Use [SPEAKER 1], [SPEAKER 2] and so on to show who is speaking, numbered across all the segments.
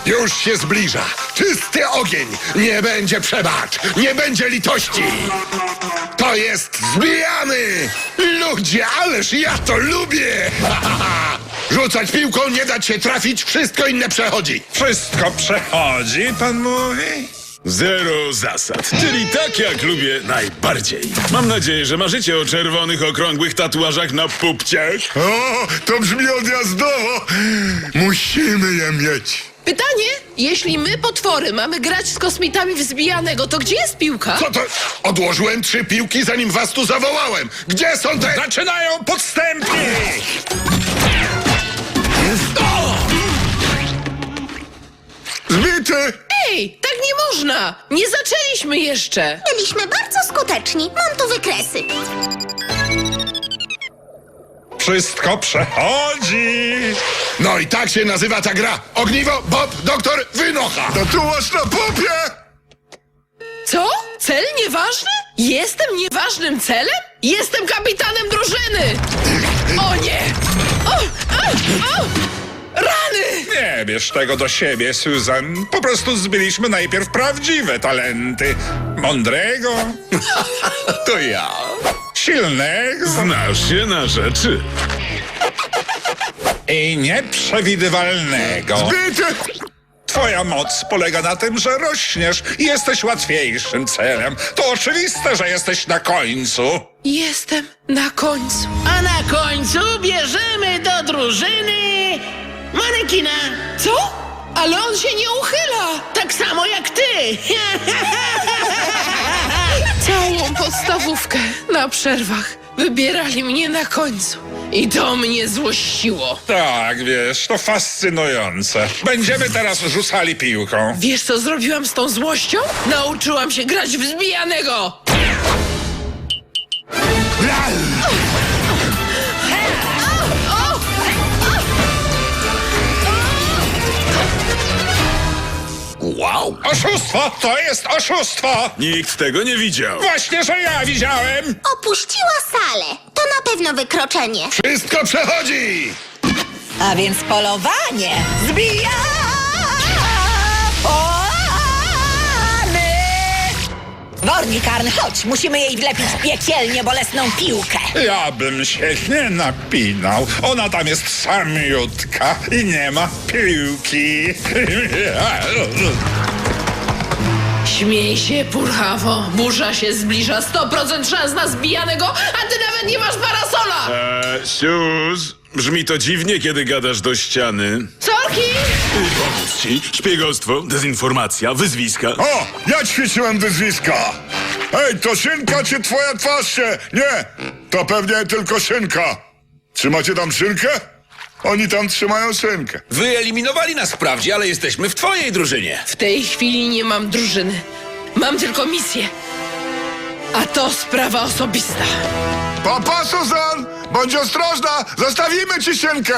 [SPEAKER 1] Już się zbliża. Czysty ogień. Nie będzie przebacz. Nie będzie litości. To jest zbijany. Ludzie, ależ ja to lubię. Rzucać piłką, nie dać się trafić, wszystko inne przechodzi.
[SPEAKER 2] Wszystko przechodzi, pan mówi?
[SPEAKER 3] Zero zasad, czyli tak jak lubię najbardziej. Mam nadzieję, że marzycie o czerwonych, okrągłych tatuażach na pupciach.
[SPEAKER 1] O, to brzmi odjazdowo. Musimy je mieć.
[SPEAKER 4] Pytanie, jeśli my, potwory, mamy grać z kosmitami w zbijanego, to gdzie jest piłka?
[SPEAKER 1] Co to? Odłożyłem 3 piłki, zanim was tu zawołałem. Gdzie są te...
[SPEAKER 2] Zaczynają podstępki!
[SPEAKER 1] Zbity!
[SPEAKER 4] Ej, tak nie można! Nie zaczęliśmy jeszcze!
[SPEAKER 5] Byliśmy bardzo skuteczni. Mam tu wykresy.
[SPEAKER 2] Wszystko przechodzi!
[SPEAKER 1] No i tak się nazywa ta gra. Ogniwo, Bob, doktor, wynocha. To tu masz na popie!
[SPEAKER 4] Co? Cel nieważny? Jestem nieważnym celem? Jestem kapitanem drużyny! O nie! O! Rany!
[SPEAKER 2] Nie bierz tego do siebie, Susan. Po prostu zbyliśmy najpierw prawdziwe talenty. Mądrego,
[SPEAKER 1] To ja.
[SPEAKER 2] silnego
[SPEAKER 3] Znasz się na rzeczy.
[SPEAKER 2] i nieprzewidywalnego.
[SPEAKER 1] Zbity!
[SPEAKER 2] Twoja moc polega na tym, że rośniesz i jesteś łatwiejszym celem. To oczywiste, że jesteś na końcu.
[SPEAKER 4] Jestem na końcu.
[SPEAKER 6] A na końcu bierzemy do drużyny manekina.
[SPEAKER 4] Co? Ale on się nie uchyla!
[SPEAKER 6] Tak samo jak ty.
[SPEAKER 4] Całą podstawówkę na przerwach wybierali mnie na końcu. I to mnie złościło.
[SPEAKER 2] Tak, wiesz, to fascynujące. Będziemy teraz rzucali piłką.
[SPEAKER 4] Wiesz, co zrobiłam z tą złością? Nauczyłam się grać w zbijanego!
[SPEAKER 1] Wow.
[SPEAKER 2] Oszustwo! To jest oszustwo!
[SPEAKER 3] Nikt tego nie widział.
[SPEAKER 2] Właśnie, że ja widziałem!
[SPEAKER 5] Opuściła salę. To na pewno wykroczenie.
[SPEAKER 1] Wszystko przechodzi!
[SPEAKER 7] A więc polowanie zbija! Wornikarn, chodź, musimy jej wlepić piekielnie bolesną piłkę.
[SPEAKER 2] Ja bym się nie napinał. Ona tam jest samiutka i nie ma piłki.
[SPEAKER 4] Śmiej się, purchawo. Burza się zbliża. 100% szans na zbijanego, a ty nawet nie masz parasola!
[SPEAKER 3] Sus, brzmi to dziwnie, kiedy gadasz do ściany.
[SPEAKER 4] Sorki!
[SPEAKER 3] Pomóc ci. Szpiegostwo, dezinformacja, wyzwiska.
[SPEAKER 1] O, ja ćwiczyłem wyzwiska. Ej, to szynka czy twoja twarz się? Nie, to pewnie tylko szynka. Trzymacie tam szynkę? Oni tam trzymają szynkę.
[SPEAKER 8] Wyeliminowali nas wprawdzie, ale jesteśmy w twojej drużynie.
[SPEAKER 4] W tej chwili nie mam drużyny. Mam tylko misję. A to sprawa osobista.
[SPEAKER 1] Papa, Susan, bądź ostrożna, zostawimy ci szynkę.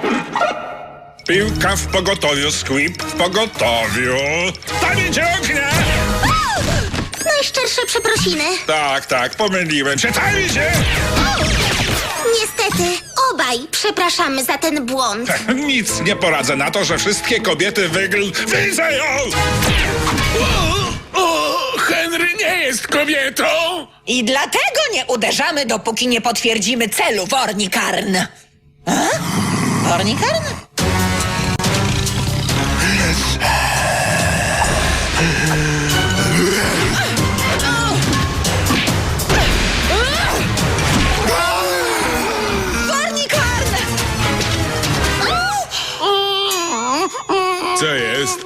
[SPEAKER 2] Piłka w pogotowiu, Squib w pogotowiu. Tam idzie ognia!
[SPEAKER 5] Najszczersze przeprosiny.
[SPEAKER 2] Tak, pomyliłem się. Tam idzie!
[SPEAKER 5] Niestety, obaj przepraszamy za ten błąd.
[SPEAKER 2] Nic nie poradzę na to, że wszystkie kobiety widzę ją!
[SPEAKER 8] O, Henry nie jest kobietą!
[SPEAKER 7] I dlatego nie uderzamy, dopóki nie potwierdzimy celu, Wornikarn. A? Wornikarn? Wornikarn!
[SPEAKER 3] Co jest?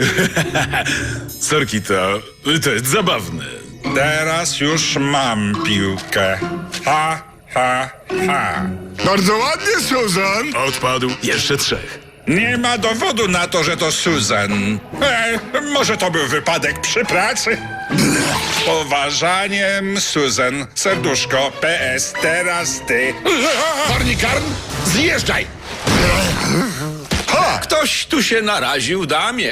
[SPEAKER 3] Sorki, to jest zabawne.
[SPEAKER 2] Teraz już mam piłkę. Ha, ha, ha.
[SPEAKER 1] Bardzo ładnie, Susan.
[SPEAKER 3] Odpadł. Jeszcze 3.
[SPEAKER 2] Nie ma dowodu na to, że to Susan. Może to był wypadek przy pracy? Z poważaniem, Susan. Serduszko, PS, teraz ty.
[SPEAKER 1] Wornikarn, zjeżdżaj.
[SPEAKER 8] Ktoś tu się naraził, damie.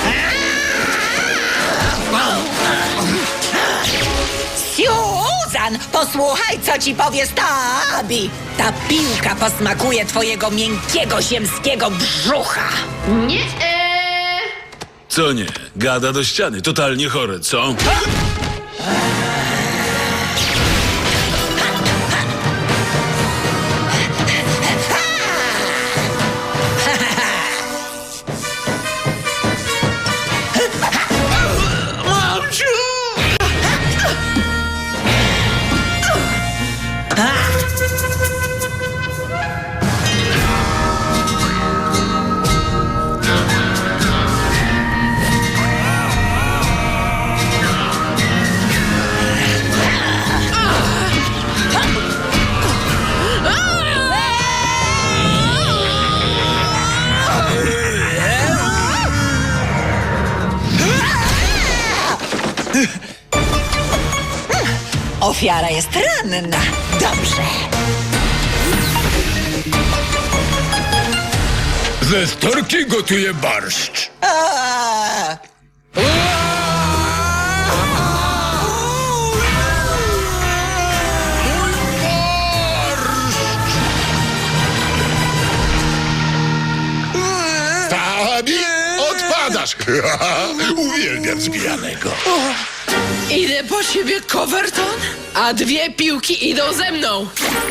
[SPEAKER 7] Susan, posłuchaj, co ci powie Stabi. Ta piłka posmakuje twojego miękkiego ziemskiego brzucha.
[SPEAKER 4] Nie.
[SPEAKER 3] Co nie? Gada do ściany. Totalnie chore, co?
[SPEAKER 7] Ofiara jest ranna. Dobrze.
[SPEAKER 1] Ze storki gotuje barszcz.
[SPEAKER 7] A!
[SPEAKER 1] Tabi, odpadasz. Uwielbiam zbijanego.
[SPEAKER 4] Idę po ciebie, Coverton, a 2 piłki idą ze mną.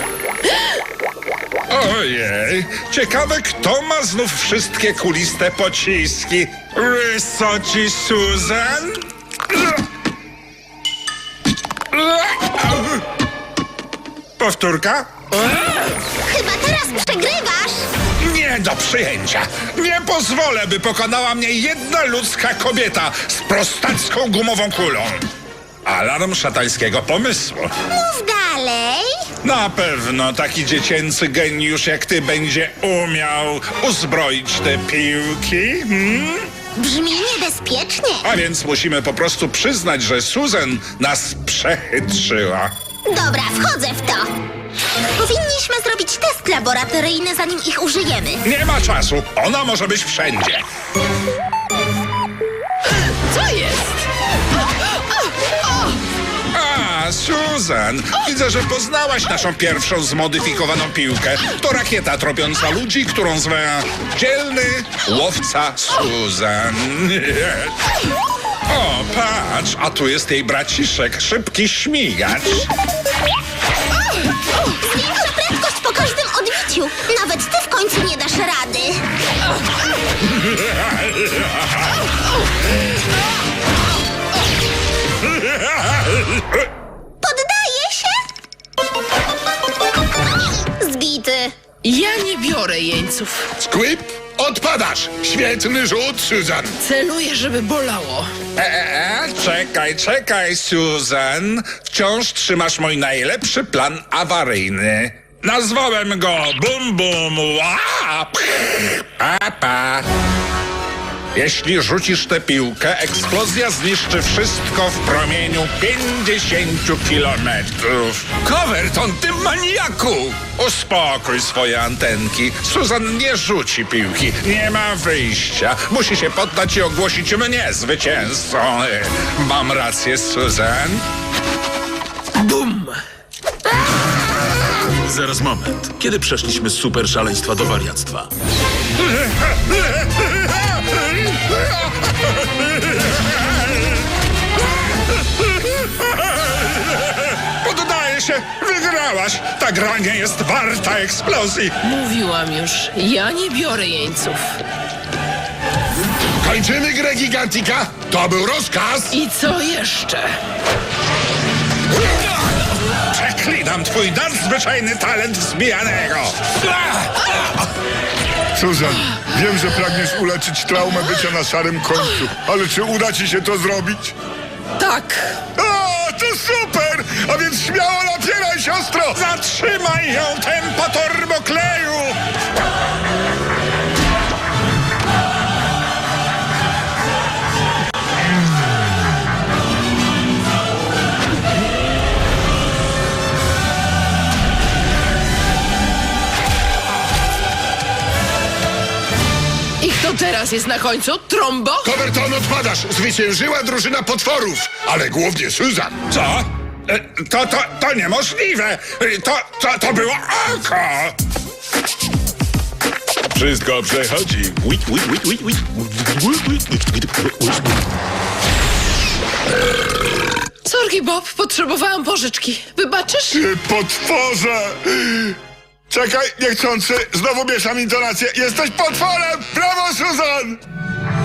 [SPEAKER 2] Ojej, ciekawe, kto ma znów wszystkie kuliste pociski. Wysoci Susan? Powtórka?
[SPEAKER 5] Chyba teraz przegrywasz.
[SPEAKER 2] Nie do przyjęcia. Nie pozwolę, by pokonała mnie jedna ludzka kobieta z prostacką gumową kulą. Alarm szatańskiego pomysłu.
[SPEAKER 5] Mów dalej.
[SPEAKER 2] Na pewno taki dziecięcy geniusz jak ty będzie umiał uzbroić te piłki.
[SPEAKER 5] Brzmi niebezpiecznie.
[SPEAKER 2] A więc musimy po prostu przyznać, że Susan nas przechytrzyła.
[SPEAKER 5] Dobra, wchodzę w to. Powinniśmy zrobić test laboratoryjny, zanim ich użyjemy.
[SPEAKER 2] Nie ma czasu. Ona może być wszędzie.
[SPEAKER 4] Co jest?
[SPEAKER 2] A, Susan, widzę, że poznałaś naszą pierwszą zmodyfikowaną piłkę. To rakieta tropiąca ludzi, którą zwę dzielny łowca Susan. O, patrz, a tu jest jej braciszek, szybki śmigacz.
[SPEAKER 5] Zwiększa prędkość po każdym odbiciu. Nawet ty w końcu nie dasz rady. Poddaję się? Zbity.
[SPEAKER 4] Ja nie biorę jeńców.
[SPEAKER 1] Squib, odpadasz. Świetny rzut, Susan.
[SPEAKER 4] Celuję, żeby bolało.
[SPEAKER 2] Czekaj, Susan. Wciąż trzymasz mój najlepszy plan awaryjny. Nazwałem go Bum Bum Łap. Papa. Jeśli rzucisz tę piłkę, eksplozja zniszczy wszystko w promieniu 50 kilometrów.
[SPEAKER 8] Coverton, ty maniaku!
[SPEAKER 2] Uspokój swoje antenki. Susan nie rzuci piłki. Nie ma wyjścia. Musi się poddać i ogłosić mnie zwycięzcą. Mam rację, Susan?
[SPEAKER 4] Bum!
[SPEAKER 3] Zaraz moment. Kiedy przeszliśmy z super szaleństwa do wariactwa?
[SPEAKER 2] Poddaję się. Wygrałaś. Ta gra nie jest warta eksplozji.
[SPEAKER 4] Mówiłam już, ja nie biorę jeńców.
[SPEAKER 1] Kończymy grę Gigantika. To był rozkaz.
[SPEAKER 4] I co jeszcze?
[SPEAKER 2] Przeklinam twój nadzwyczajny talent zbijanego.
[SPEAKER 9] Susan, wiem, że pragniesz uleczyć traumę bycia na szarym końcu, ale czy uda ci się to zrobić?
[SPEAKER 4] Tak.
[SPEAKER 9] O, to super! A więc śmiało napieraj, siostro!
[SPEAKER 2] Zatrzymaj ją, tempo turbokleju!
[SPEAKER 4] I kto teraz jest na końcu? Trombo?
[SPEAKER 1] Coverton, odpadasz. Zwyciężyła drużyna potworów, ale głównie Susan.
[SPEAKER 2] Co? To niemożliwe! To było oko!
[SPEAKER 3] Wszystko przechodzi.
[SPEAKER 4] Sorki, Bob, potrzebowałam pożyczki. Wybaczysz?
[SPEAKER 9] Ty potworze! Czekaj, niechcący, znowu mieszam intonację. Jesteś potworem! Brawo, Susan!